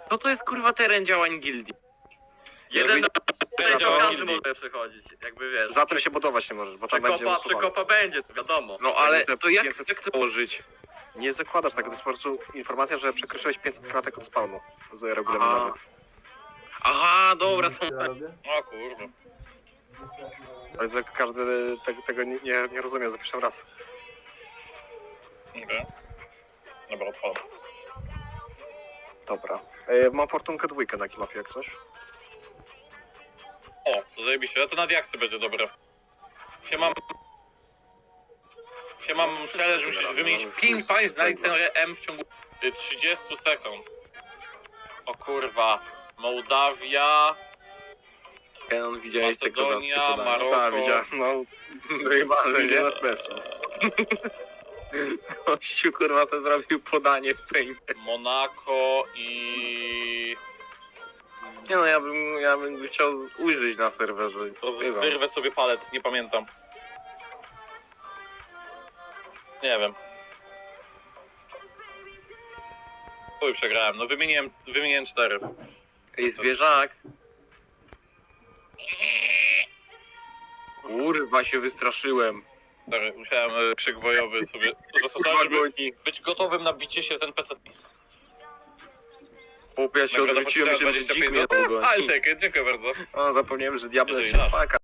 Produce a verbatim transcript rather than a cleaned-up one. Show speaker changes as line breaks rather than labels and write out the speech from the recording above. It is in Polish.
No to jest kurwa teren działań gildii.
Jeden na
Za
dział
to-
każdy może przechodzić, jakby wiesz.
Za tym się budować nie możesz, bo tam będzie
Przekopa,
usuwane.
przekopa będzie, to wiadomo.
No ale
te
to jak,
pięćset
jak to położyć?
Nie zakładasz tego, to jest po prostu informacja, że przekroczyłeś pięćset kratek od spawnu z regulaminowy.
Aha, dobra, to...
Ja robię?
O kurwa.
Ale jak każdy te, tego nie, nie, nie rozumie za pierwszym raz.
Okej. Dobra, odpalam.
Dobra. E, mam fortunkę dwójkę na kilofie, jak coś.
O, to zajebiście, to na diaksy będzie dobre. Się mam... Się mam challenge, musisz wymienić pięć państw na licencję M w ciągu y, trzydziestu sekund. O kurwa. Mołdawia...
Kenon, widziałeś te
Macedonia,
kozackie podania?
Maroko...
Tak, widziałem. No,
Wyjebane, nie?
milion F P S.
Kościół kurwa sobie zrobił podanie w Paint.
Monako i...
Nie no, ja bym, ja bym chciał ujrzeć na serwerze.
To z-
Bywam.
wyrwę sobie palec, nie pamiętam. Nie wiem. Chuj, przegrałem. No wymieniłem, wymieniłem cztery.
Ej, zwierzak. Kurwa, się wystraszyłem.
Cztery. Musiałem y, krzyk bojowy sobie zastosować, żeby być gotowym na bicie się z N P C.
Chłopie, ja się
Nagroda
odwróciłem,
pocisza
myślałem, że
dwadzieścia
dzik
pięć
mnie
złotych.
dogoni.
Ale tak, dziękuję bardzo.
O, zapomniałem, że diabeł
Jeżeli
się
nasz.
spaka.